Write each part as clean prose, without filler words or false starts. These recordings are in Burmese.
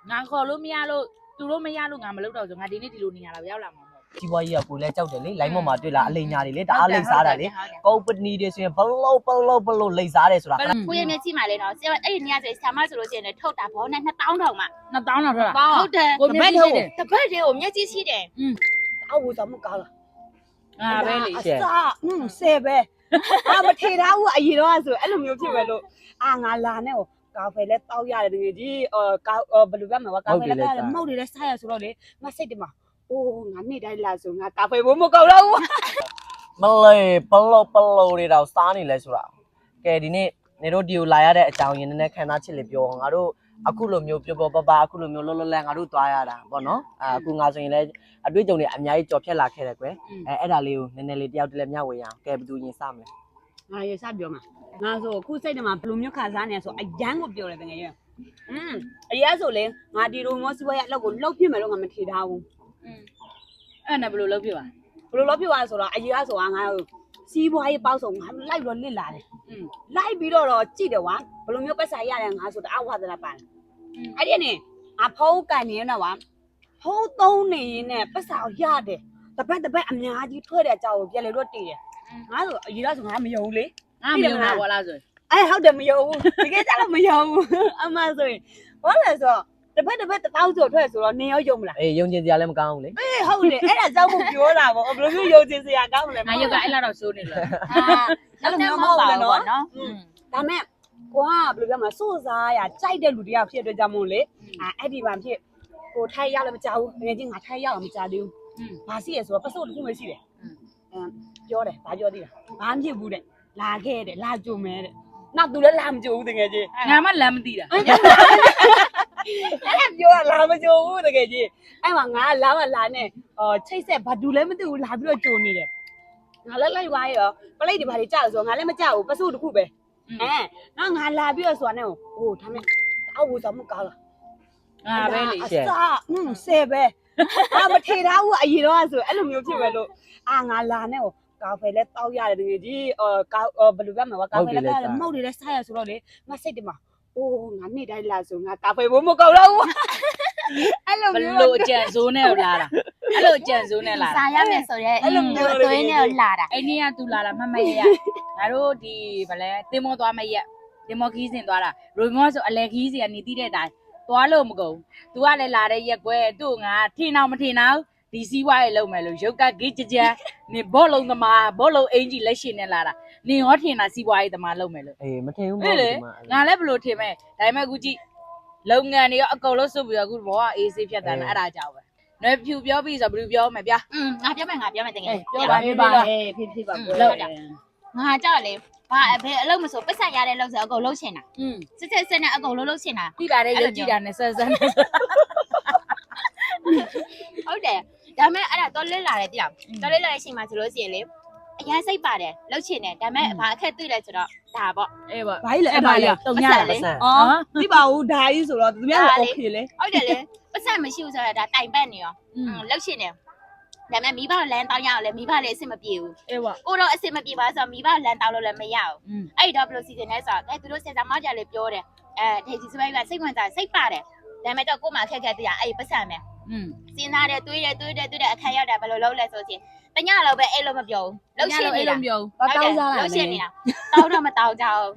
ငါခေါ်လို့မရလို့သူတို့မရလို့ငါမလုပ်တော့ဆိုငါဒီနေ့ဒီလိုနေရတာပဲရောက်လာမှာမဟုတ်ကြီးပွားကြီးကကိုလည်းကြောက်တယ်လေလိုင်းပေါ်မှာတွေ့လာအလိမ်ညာတွေလေတအားလိမ်စားတာလေကုမ္ပဏီတွေဆိုရင်ဘလို့လိမ်စားတယ်ဆိုတာကိုရမျက်ကြည့်မှလေနော်အဲ့ဒီနေရာဆိုဆာမဆိုလို့ရှိရင်ထောက်တာဘောနဲ့2000တောင်မှ 2000တော့ထွက်တာဟုတ်တယ်ကိုမျက်ကြည့်တယ်တပတ်တည်းကိုမျက်ကြည့်ရှိတယ်အောက်ဝစားမကောင်းလားငါပဲလေအစားဆယ်ပဲမထေထားဘူးအရင်တော့ဆိုအဲ့လိုမျိုးဖြစ်ပဲလို့ငါလာနဲ့ဟိုကာဖေလဲတောက်ရတယ်တကယ်ကြီးဘယ်လိုပြောမလဲကာဖေလဲတောက်ရတယ်မဟုတ်တယ်လဲစားရဆိုတော့လေငါစိတ်တမှာအိုးငါနေ့တိုင်းလာဆိုငါကာဖေဘိုးမကောင်းတော့ဘူးမလေးပလို့တွေတော့စားနေလဲဆိုတာကဲဒီနေ့နေတို့ဒီကိုလာရတဲ့အကြောင်းရင်းနဲ့ခန္ဓာချစ်လေပြောငါတို့အခုလိုမျိုးပြောပအခုလိုမျိုးလောလောလန်ငါတို့သွားရတာပေါ့နော်အခုငါဆိုရင်လည်းအတွေ့အကြုံတွေအများကြီးကြော်ဖြတ်လာခဲ့တယ်ကွယ်အဲ့ဒါလေးကိုနည်းနည်းလေးတယောက်တည်းလည်းမျှဝေရအောင်ကဲဘယ်သူရင်စမလဲငါရစပြောမှာငါဆိုအခုစိတ်တမှာဘယ်လိုမျိုးခံစားနေဆိုအရန်ကိုပြောတယ်တကယ်ကြီးအရင်ဆိုလေငါဒီလိုမျိုးစပွဲရအလောက်ကိုလှုပ်ဖြစ်မယ်လို့ငါမထေထားဘူးအဲ့နဲ့ဘယ်လိုလုပ်ပြပါဘယ်လိုလုပ်ဖြစ်သွားဆိုတော့အရင်ကဆိုတာငါစီးပွားရေးပေါက်ဆုံးငါလိုက်တော့လစ်လာတယ်လိုက်ပြီးတော့ကြည့်တယ်ကွာဘယ်လိုမျိုးပတ်စာရတယ်ငါဆိုတအားဝါသနာပါတယ်အဲ့ဒီနဲ့အဖုံးကန်နေတော့ကွာဖုံးသုံးနေရင်နဲ့ပတ်စာရတယ်တပတ်အများကြီးထွက်တဲ့အကြောင်းကိုပြန်လေတော့တည်တယ်ငါဆိုအရင်ကဆိုငါမယုံဘူးလေငါမယုံတာဘောလားဆိုဟုတ်တယ်မယုံဘူးတကယ်ကြတော့မယုံဘူးအမှဆိုရင်ဘာလဲဆိုတော့တပတ်1000ကျော်ထွက်ဆိုတော့နင်ရောယုံမလားအေးယုံကျင်စရာလည်းမကောင်းဘူးလေဟုတ်တယ်အဲ့ဒါကြောင့်ကိုပြောတာပေါ့ဘယ်လိုမျိုးယုံကြည်စရာကောင်းမလဲငါရုပ်ကအဲ့လောက်တော့စိုးနေလို့အဲ့လိုမျိုးမဟုတ်ဘူးနော်ဒါမဲ့ကိုကဘယ်လိုပြောမလဲစိုးစားရကြိုက်တဲ့လူတရားဖြစ်တဲ့ကြောင့်မို့လေအဲ့ဒီမှာဖြစ်ကိုထိုက်ရောက်လည်းမကြောက်ဘူးငယ်ချင်းငါထိုက်ရောက်လည်းမကြောက်သေးဘူးဘာရှိရဆိုတော့ပစုတ်တစ်ခုပဲရှိတယ်ပြောတယ်ဘာပြောသေးလဲဘာမှဖြစ်ဘူးတဲ့လာခဲ့တယ်လာကြုံမဲတဲ့နောက်သူလည်းလာမကြုံဘူးတကယ်ကြီးငါမှလမ်းမသိတာအဲ့ဒါပြောလာမကြုံဘူးတကယ်ကြီးအဲ့မှာငါလာမလာနဲ့ချိတ်ဆက်ဘာတူလည်းမသိဘူးလာပြီးတော့ကြုံနေတယ်ငါလည်းလိုက်သွားရောပလိတ်တွေဘာတွေကြောက်ဆိုတော့ငါလည်းမကြောက်ဘူးပစုတ်တစ်ခုပဲနော်ငါလာပြီးတော့ဆိုတာနဲ့ဟိုဒါမဲ့အောက်ဝစားမကောင်းလားငါပဲလေအစားဆယ်ပဲမထေထားဘူးအရင်တော့ဆိုအဲ့လိုမျိုးဖြစ်ပဲလို့ငါလာနဲ့ဟိုကာဖေလဲတောက်ရတယ်တကယ်ကြီးဘယ်လိုပြောမလဲကာဖေလဲတောက်ရတယ်မဟုတ်တယ်လဲစားရဆိုတော့လေငါစိတ်တမှာအိုးငါနေ့တိုင်းလာဆိုငါကာဖေဘိုးမကောင်းတော့ဘူးအဲ့လိုဘမျိုးလို့အကြံစိုးနဲ့လာတာအဲ့လိုအကြံစိုးနဲ့လာတာစားရမယ်ဆိုတော့အဲ့လိုမျိုးအသွေးနဲ့လာတာအဲ့နေ့ကသူလာမမရငါတို့ဒီဗလဲတင်မောသွားမရက်တင်မောခီးစင်သွားတာရိုမောဆိုအလဲခီးစီကနေတီးတဲ့အတိုင်းသွားလို့မကုန် तू ကလည်းလာတဲ့ရက်ကွယ်သူ့ငါထင်အောင်မထင်အောင်ဒီစီးွားရေလုံးမယ်လို့ရုပ်ကဂိကြနေဘောလုံးသမားဘောလုံးအင်ကြီးလက်ရှင်နဲ့လာတာနင်ရောထင်တာစီးပွားရေးသမားလုံးမယ်လို့အေးမထင်ဘူးဟဲ့လေငါလည်းဘလို့ထင်မဲ့ဒါပေမဲ့အခုကြည့်လုပ်ငန်းတွေရောအကုန်လုံးစုပ်ပြီးတော့အခုဘောကအေးဆေးဖြတ်တယ်အဲ့ဒါကြောင့်ပဲနွယ်ဖြူပြောပြီးဆိုဘယ်လိုပြောမယ်ဗျာငါပြောမယ်တကယ်ပြောပါဖြစ်ပါဖြစ်ပါလောက်တာငါကြောက်လေဘာဘယ်အလုပ်မဆိုပတ်ဆက်ရတဲ့လုပ်ဆိုအကုန်လုံးချင်တာစစ်နဲ့အကုန်လုံးချင်တာတိလာတဲ့ရုပ်ကြည့်တာနဲ့ဆက်ဆက်နဲ့ဟုတ်တယ်ဒါမဲ့အဲ့ဒါတော်လေးလာတယ်တိအောင်တော်လေးလာတဲ့အချိန်မှာဆိုလို့ရှိရင်လေအရန်စိတ်ပါတယ်လှုပ်ချင်တယ်ဒါမဲ့ဘာအခက်တွေ့လဲဆိုတော့ဒါပေါ့အေးပေါ့ဘာကြီးလဲအဲ့ဒါကြီးတုံညတယ်လေသိပါဘူးဒါကြီးဆိုတော့သူများကโอเคလေဟုတ်တယ်လေပတ်ဆက်မရှိဘူးဆိုတော့ဒါတိုင်ပတ်နေရောလှုပ်ချင်တယ်ဒါမဲ့မိဘလမ်းတောင်းရအောင်လေမိဘလည်းအဆင်မပြေဘူးအေးပေါ့ကိုတော့အဆင်မပြေပါဆိုတော့မိဘလမ်းတောင်းလို့လည်းမရဘူးအဲ့တော့ဘယ်လိုစီစဉ်လဲဆိုတော့သူတို့စင်စာမောက်ကြလေပြောတယ်ဒေဂျီစပိုက်ကစိတ်ဝင်စားစိတ်ပါတယ်ဒါမဲ့တော့ကိုမှအခက်ခဲတည်းအဲ့ပတ်ဆက်မယ်စဉ်းစားတယ်တွေးတယ်အခါရောက်တာဘယ်လိုလုပ်လဲဆိုရင်တညလောက်ပဲအဲ့လိုမပြောဘူးလှုပ်ရှင်နေတာပြောတောင်းစားလာလှုပ်ရှင်နေတာတောင်းတော့မတောင်းကြအောင်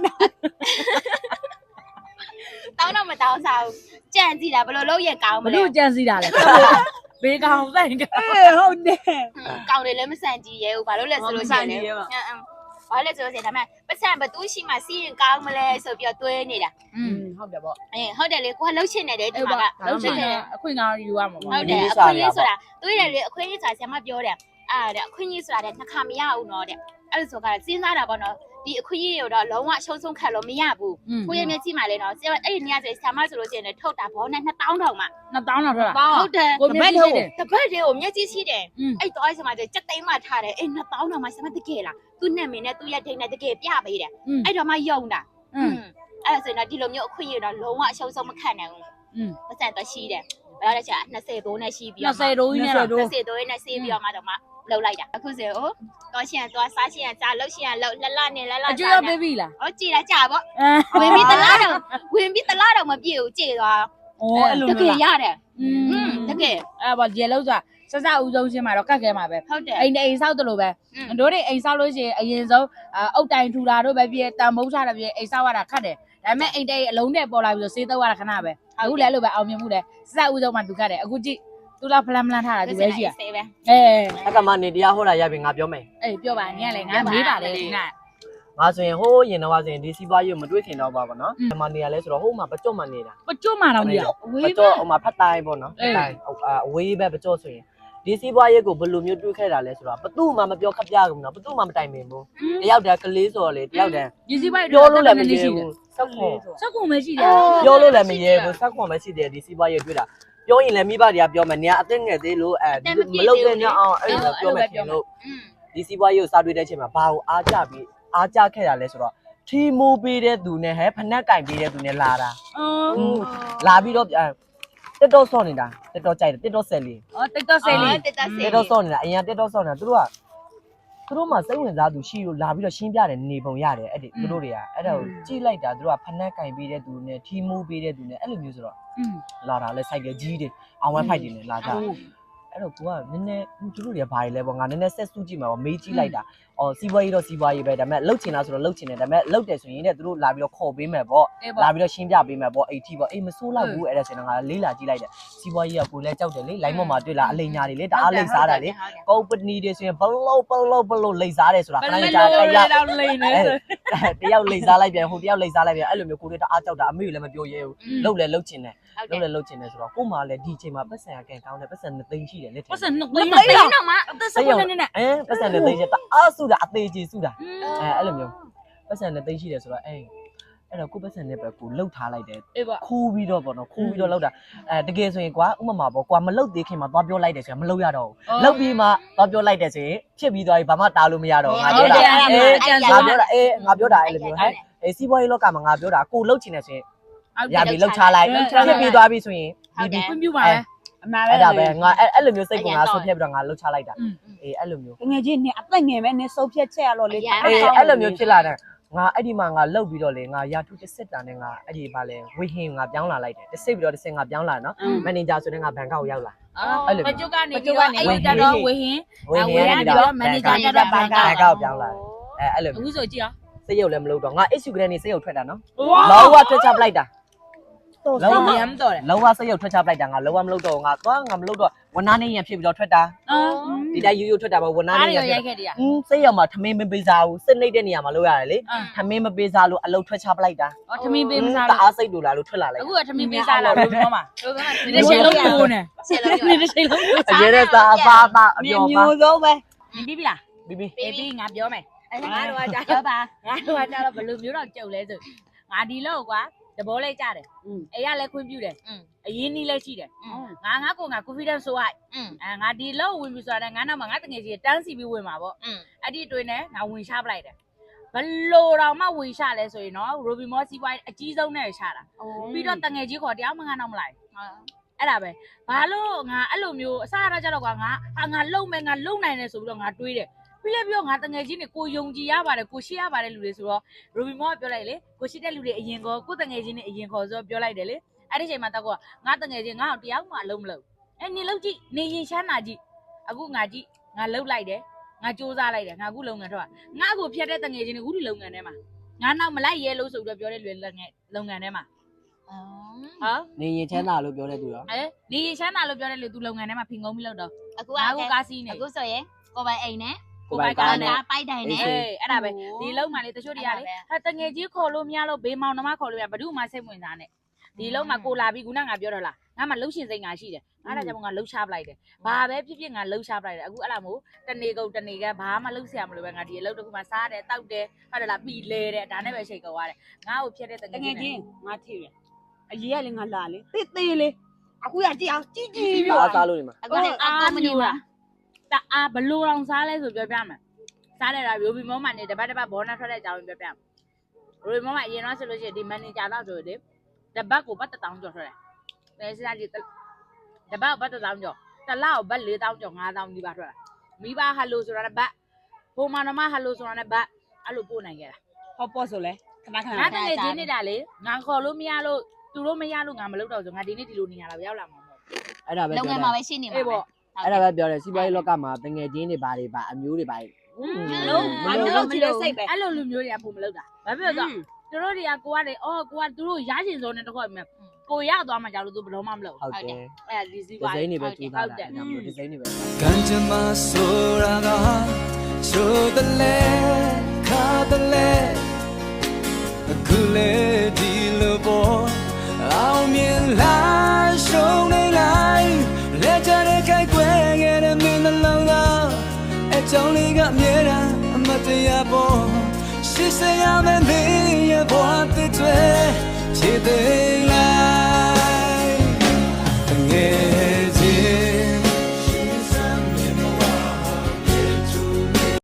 တောင်းတော့မတောင်းစားဘူးကြံ့ကြည့်တာဘယ်လိုလုပ်ရကောင်းမဘလဲလို့ကြံစီတာလဲဘေးကောင်ဆိုင်ကဟုတ်တယ်ကောင်းတယ်လည်းမဆန်ကြည့်ရဲဘူးဘာလို့လဲဆိုလို့ရှိရင်လေဘာလဲဆိုလို့ရှိရင်ဒါမဲ့ပတ်စံဘသူရှိမှစီးရင်ကောင်းမလဲဆိုပြီးတော့တွေးနေတာဟုတ်တယ်ပေါ့ဟုတ်တယ်လေကိုကလှုပ်ရှင်နေတယ်ဒီမှာကလှုပ်ရှင်အခွင့်ကောင်းယူရမှာပေါ့ဟုတ်တယ်အခွင့်အရေးဆိုတာတွေးတယ်လေအခွင့်အရေးဆိုတာဆရာမပြောတယ်တဲ့အခွင့်အရေးဆိုတာတဲ့နှစ်ခါမရဘူးနော်တဲ့အဲ့လိုဆိုကစဉ်းစားတာပေါ့နော်ဒီအခွင့်အရေးတွေကိုတော့လုံးဝရှုံးဆုံးခံလို့မရဘူးကိုရမျက်ကြည့်မှလေနော်အဲ့ဒီနေရာဆိုဆရာမဆိုလို့ရှိရင်ထုတ်တာဘောနဲ့2000တောင်မှ 2000တော့ထွက်တာဟုတ်တယ်ကိုမျက်ကြည့်တယ်တပတ်တည်းကိုမျက်ကြည့်ရှိတယ်အဲ့တော့အဲ့ဆရာမဆိုစက်သိမ်းမှထားတယ်အဲ့2000တောင်မှဆရာမတကယ်လားသူ့နဲ့မင်းနဲ့သူ့ရဲ့ဒိတ်နဲ့တကယ်ပြပေးတယ်အဲ့တော့မှယုံတာအဲ့ဒါဆိုရင်တော့ဒီလိုမျိုးအခွင့်အရေးတော့လုံးဝအရှုံးဆုံးမခံနိုင်ဘူးပတ်စံတော့ရှိတယ်ဘယ်လိုလဲချာ20တိုးနဲ့ရှိပြီးတော့ 20တိုးကြီးနဲ့တော့ 20တိုးနဲ့ဆေးပြီးတော့မှတော့မှလှုပ်လိုက်တာအခုဆိုတော့တော့ရှင်တော့စားရှင်ကစားလှုပ်ရှင်ကလှုပ်လနဲ့လအကျွေးရပေးပြီလားဟောကြည်လာကြပေါ့ဝင်ပြီးတလားတော့မပြည့်ဘူးကြည်သွားအဲ့လိုတကယ်လားရတယ်တကယ်အဲ့ပေါ့ရေလုံးဆိုတာစစဦးဆုံးချင်းမှာတော့ကတ်ခဲမှာပဲဟုတ်တယ်အိမ်ဆောက်တယ်လို့ပဲတို့တွေအိမ်ဆောက်လို့ရှိရင်အရင်ဆုံးအုတ်တိုင်ထူတာတို့ပဲပြည့်တန်မိုးချတာပြည့်အိမ်ဆောက်ရတာခတ်တယ်ဒါပေမဲ့အိမ်တိတ်အလုံးနဲ့ပေါ်လာပြီးတော့စေးတော့ရတာခဏပဲအခုလည်းလို့ပဲအောင်မြင်မှုတယ်စစဦးဆုံးမှာသူကတ်တယ်အခုကြည့်သူကဖလန်ဖလန်ထားတာသူပဲရှိရဆေးပဲအဲ့ကမှနေတရားဟောတာရပြီငါပြောမယ်အေးပြောပါနင်ကလည်းငါမေးပါလေဒီကငါဆိုရင်ဟိုးရင်တော့ဆိုရင်ဒီစီးပွားရေးကိုမတွေးခင်တော့ပါဘောနော်ဒီမှာနေရလဲဆိုတော့ဟိုးမှာပကြော့မှနေတာပကျွတ်မှာတော့မရဝေးပကြော့ဟိုမှာဖတ်တိုင်းပေါ့နော်ဖတ်တိုင်းအဝေးပဲပကြော့ဆိုရင်ဒီစီးပွားရေးကိုဘယ်လိုမျိုးတွေးခဲ့တာလဲဆိုတော့ဘသူ့မှမပြောခပ်ပြဘူးနော်ဘသူ့မှမတိုင်ပင်ဘူးတယောက်တည်းကလေးဆိုတော့လေတယောက်တည်းဒီစီးပွားရေးပြောလို့လည်းမရဘူးစက်ခွန်စက်ကုန်မရှိတယ်ပြောလို့လည်းမရဘူးစက်ခွန်ပဲရှိတယ်ဒီစီးပွားရေးတွေးတာပြောရင်လည်းမိဘတွေကပြောမယ်နေကအသက်ငယ်သေးလို့မလုပ်တဲ့ညအောင်အဲ့လိုပြောမယ်ခင်လို့ဒီစီးပွားရေးကိုစားတွေးတဲ့အချိန်မှာဘာကိုအားကြပြီးအားကြခဲ့တာလဲဆိုတော့ထီမိုးပေးတဲ့သူနဲ့ဟဲ့ဖနက်ကင်ပေးတဲ့သူနဲ့လာတာလာပြီးတော့တက်တော့ဆော့နေတာတက်တော့ကြိုက်တယ်တက်တော့ဆယ်လေးအော်တိတ်တော့ဆေးလေးတက်တက်ဆေးတက်တော့ဆော့နေတာအရင်တက်တော့ဆော့နေတာသူတို့မှစိတ်ဝင်စားသူရှိလို့လာပြီးတော့ရှင်းပြတယ်နေပုံရတယ်အဲ့ဒီသူတို့တွေကအဲ့ဒါကိုကြည့်လိုက်တာသူတို့ကဖနက်ကင်ပေးတဲ့သူနဲ့ထီမိုးပေးတဲ့သူနဲ့အဲ့လိုမျိုးဆိုတော့လာတာလဲစိုက်ကကြီးတွေအောင်ဝဲဖိုက်တွေနဲ့လာကြအဲ့တော့ကိုကနည်းနည်းသူတို့တွေကဘာတွေလဲပေါ့ငါနည်းနည်းဆက်စုကြည့်မှာပေါ့မေးကြည့်လိုက်တာအော်စီးပွားရေးတော့စီးပွားရေးပဲဒါပေမဲ့လှုပ်ချင်တာဆိုတော့လှုပ်ချင်တယ်ဒါပေမဲ့လှုပ်တယ်ဆိုရင်တဲ့သူတို့လာပြီးတော့ခေါ်ပေးမယ်ပေါ့လာပြီးတော့ရှင်းပြပေးမယ်ပေါ့အိတ်ထိပေါ့အေးမဆိုးလောက်ဘူးအဲ့ဒါဆိုရင်ငါလေးလာကြည့်လိုက်တယ်စီးပွားရေးကကိုလည်းကြောက်တယ်လေလိုင်းပေါ်မှာတွေ့လာအလိညာတွေလေတအားလိမ့်စားတာလေကုမ္ပဏီတွေဆိုရင်ဘလို့လိမ့်စားတယ်ဆိုတာခဏကြာတယောက်လောက်လိမ့်နေဆိုတယောက်လိမ့်စားလိုက်ပြန်ဟိုတယောက်လိမ့်စားလိုက်ပြန်အဲ့လိုမျိုးကိုတွေတအားကြောက်တာအမေလည်းမပြောရဲဘူးလှုပ်လဲလှုပ်ချင်တယ်လှုပ်လဲလှုပ်ချင်တယ်ဆိုတော့ကို့မှာလည်းဒီချိန်မှာပတ်စံကန်ကောင်းတယ်ပတ်စံ2သိန်းရှိတယ်လက်ထဲပတ်စံ2သိန်းတော့မှအသက်16နှစ်နဲ့ပတ်စံ2သိန်းရှိတအားစုတာအသေးကြီးစုတာအဲ့လိုမျိုးပတ်စံ2သိန်းရှိတယ်ဆိုတော့အဲ့တော့ကိုပတ်စံနဲ့ပဲကိုလှုပ်ထားလိုက်တယ်အေးပေါ့ခိုးပြီးတော့ပေါ့နော်ခိုးပြီးတော့လှုပ်တာတကယ်ဆိုရင်ကွာဥပမာပေါ့ကွာမလှုပ်သေးခင်မှာသွားပြောလိုက်တယ်ဆိုရင်မလှုပ်ရတော့ဘူးလှုပ်ပြီးမှသွားပြောလိုက်တယ်ဆိုရင်ဖြစ်ပြီးသွားပြီဘာမှတားလို့မရတော့ငါပြောတာငါပြောတာအဲ့လိုမျိုးဟဲ့စီးပွားရေးလောကမှာငါပြောတာကိုလှုပ်ချင်တယ်ဆိုရင်ရပြီလှုပ်ချလိုက်ဖြစ်ပြီးသွားပြီဆိုရင်ဒီခွင့်ပြုပါလေအမှန်ပဲအဲ့ဒါပဲငါအဲ့လိုမျိုးစိတ်ကငါဆုတ်ဖြတ်ပြီးတော့ငါလှုပ်ချလိုက်တာအဲ့လိုမျိုးငယ်ချင်းနဲ့အသက်ငယ်ပဲနဲ့စုပ်ဖြတ်ချက်ရတော့လေအဲ့လိုမျိုးဖြစ်လာတယ်ငါအဲ့ဒီမှာငါလှုပ်ပြီးတော့လေငါရာထူးတစ်စစ်တာနဲ့ငါအဲ့ဒီပါလေဝေဟင်ငါပြောင်းလာလိုက်တယ်တစ်စစ်ပြီးတော့တစ်စစ်ငါပြောင်းလာနော်မန်နေဂျာဆိုတဲ့ငါဘန်ကောက်ရောက်လာပကျုပ်ကနေပြီးတော့အဲ့တတော့ဝေဟင်ဝေဟင်ကနေတော့မန်နေဂျာတက်တော့ဘန်ကောက်ပြောင်းလာအဲ့လိုအခုဆိုကြည့်အောင်စိတ်ရုပ်လည်းမလုပ်တော့ငါ issue ကလေးနေစိတ်ရုပ်ထွက်တာနော်လောကထွက်ချပလိုက်တာတော့လောကရမ်းတော့တယ်လောကစိတ်ရုပ်ထွက်ချပလိုက်တာငါလောကမလုပ်တော့ငါသွားငါမလုပ်တော့ဝနာနေရဖြစ်ပြီးတော့ထွက်တာဒီတိုင်းရိုးရိုးထွက်တာပေါ့ဝနာနေရရိုက်ခဲ့တည်းစိတ်ရောက်မှာထမင်းမပေးစားဘူးစစ်နေတဲ့နေရာမှာလုပ်ရတယ်လေထမင်းမပေးစားလို့အလုပ်ထွက်ချပလိုက်တာအော်ထမင်းပေးမစားတအားစိတ်တူလာလို့ထွက်လာလိုက်အခုကထမင်းပေးစားလာလို့ပြောမှာဒီတစ်ချိန်လုံးကိုနေချက်လို့ဒီတစ်ချိန်လုံးအရေးတဲ့သားအပါအပါအပြောပါမျိုးစုံပဲပြီးပြီလားပြီးပြီပြီးငါပြောမယ်ငါတို့ကကြာပါငါတို့ကကြတော့ဘယ်လိုမျိုးတော့ကြုံလဲဆိုငါဒီလောက်ကွာတဘောလေးကြတယ်အေးရလည်းခွင့်ပြုတယ်အရင်နီးလည်းရှိတယ်ငါကိုငါ confidence ဆိုလိုက်ငါဒီလောက်ဝင်ပြီဆိုတာငါနောက်မှာငါတငယ်ကြီးတန်းစီပြီးဝင်မှာပေါ့အဲ့ဒီအတွင်းနဲ့ငါဝင်ရှားပလိုက်တယ်ဘလို့တော့မှဝင်ရှားလဲဆိုရင်နော် Ruby Moss စီးပွားအကြီးဆုံးနဲ့ရှားတာပြီးတော့တငယ်ကြီးခေါ်တရားမငါနောက်မလိုက်အဲ့ဒါပဲဘာလို့ငါအဲ့လိုမျိုးအစားရကြတော့ကွာငါလုံမယ်ငါလုံနိုင်တယ်ဆိုပြီးတော့ငါတွေးတယ်ပြီးလည်းပြောငါတငယ်ချင်းတွေကိုယုံကြည်ရပါတယ်ကိုရှိရပါတယ်လူတွေဆိုတော့ Ruby Moss ပြောလိုက်လေကိုရှိတဲ့လူတွေအရင်ကောကိုတငယ်ချင်းတွေအရင်ခေါ်ဆိုပြောလိုက်တယ်လေအဲ့ဒီချိန်မှာတော့ငါတငယ်ချင်းငါ့ကိုတရားမှအလုံးမလုံးနေလုံးကြည့်နေရင်ချမ်းသာကြည့်အခုငါကြည့်ငါလှုပ်လိုက်တယ်ငါစူးစမ်းလိုက်တယ်ငါအခုလုပ်ငန်းထွက်ငါအခုဖြတ်တဲ့တငယ်ချင်းတွေအခုဒီလုပ်ငန်းထဲမှာငါနောက်မလိုက်ရဲလို့ဆိုပြီးတော့ပြောတဲ့လူလုပ်ငန်းထဲမှာဟာနေရင်ချမ်းသာလို့ပြောတဲ့သူရောနေရင်ချမ်းသာလို့ပြောတဲ့လူသူလုပ်ငန်းထဲမှာဖင်ကုန်းပြီးလုပ်တော့အခုငါအခုကားစီးနေအခုဆိုရင်ကိုပိုင်အိမ်နဲ့ကိုပိုင်ကားနဲ့ပိုက်တိုင်နဲ့အဲ့ဒါပဲဒီလုံးမှလေတချို့တွေကလေဟာတငယ်ကြီးခေါ်လို့မရလို့ဘေးမောင်နှမခေါ်လို့ရဘယ်သူမှစိတ်ဝင်စားနဲ့ဒီလုံးမှကိုလာပြီးခုနငါပြောတော့လားငါမှလှုပ်ရှင်စိတ်ငါရှိတယ်ငါဒါကြောင့်ငါလှုပ်ရှားပလိုက်တယ်ဘာပဲဖြစ်ဖြစ်ငါလှုပ်ရှားပလိုက်တယ်အခုအဲ့လားမို့တနေကုန်တနေကဘာမှလှုပ်ဆရာမလို့ပဲငါဒီအလုပ်တစ်ခုမှစားတယ်တောက်တယ်ဟုတ်တယ်လားပြီးလဲတယ်ဒါနဲ့ပဲရှိတ်ကောရတယ်ငါ့ကိုဖြစ်တဲ့တငတယ်ကယ်ကြီးချင်းငါထိရအရေးကလည်းငါလာလေတေးသေးလေအခုရကြည့်အောင်ကြီးကြီးအားစားလို့နေမှာအခုလည်းအကောမနေဘူးလားတအားဘလို့အောင်စားလဲဆိုပြောပြမယ်စားတယ်လား Ruby Moss မှနေတပတ်ဘောနာထွက်တဲ့အကြောင်းပြောပြမယ် Ruby Moss မှအရင်တော့ဆိုလို့ရှိရင်ဒီမန်နေဂျာတော့ဆိုရင်တပတ်ကိုပတ်1000ကျော်ထွက်တယ်ဒါစားကြည့်တပတ်ပတ်1000ကျော်တလောက်ပတ်4000ကျော်5000ဒီပါထွက်တာမိဘဟယ်လိုဆိုတာနဲ့ဘတ်ဟိုမနမဟယ်လိုဆိုတာနဲ့ဘတ်အဲ့လိုပို့နိုင်ခဲ့တာဟောပေါ့ဆိုလဲခဏခဏငါတကယ်ချင်းနေတာလေငါခေါ်လို့မရလို့သူတို့မရလို့ငါမလုပ်တော့ဆိုငါဒီနေ့ဒီလိုနေရတာပဲရောက်လာမှာမဟုတ်အဲ့ဒါပဲလုံငပြောယ်တာမှာပဲရှိနေမှာအေးပဲပေါ့အဲ့ဒါပဲပြောတယ်စီးပွားရေးလောကမှာတငယ်ချင်းတွေဘာတွေပါအမျိုးတွေပါလုံးမလုံးချင်တဲ့စိတ်ပဲအဲ့လိုလူမျိုးတွေကပုံမလုပ်တာဘာဖြစ်လို့ဆိုသူတို့တွေကကိုကလေအော်ကိုကသူတို့ရချင်စုံနဲ့တခေါက်မြကိုရသွားမှကြောက်လို့သူဘယ်တော့မှမလုပ်ဟုတ်တယ်အဲ့ဒါဒီစီးဒီပွားဇိုင်းတွေပဲဟုတ်ကျူးတသားယ်တာဒီဇိုင်းတွေပဲကံကြမ္မာဆိုတာကချိုးတယ်လေခါတယ်လေအခုလေဒီလိုပေါ်အောင်မြင်လာရှုံးနေလိုက်လက်ချတဲ့ခိုက်ွယ်ခဲ့တဲ့မင်းနှလုံးသားအကြောင်းလေးကအမြဲတမ်းအမတရားပေါ်ရှိစရာမင်းရဲ့ဘဝတစ်တွေခြေသိမ်းလိုက်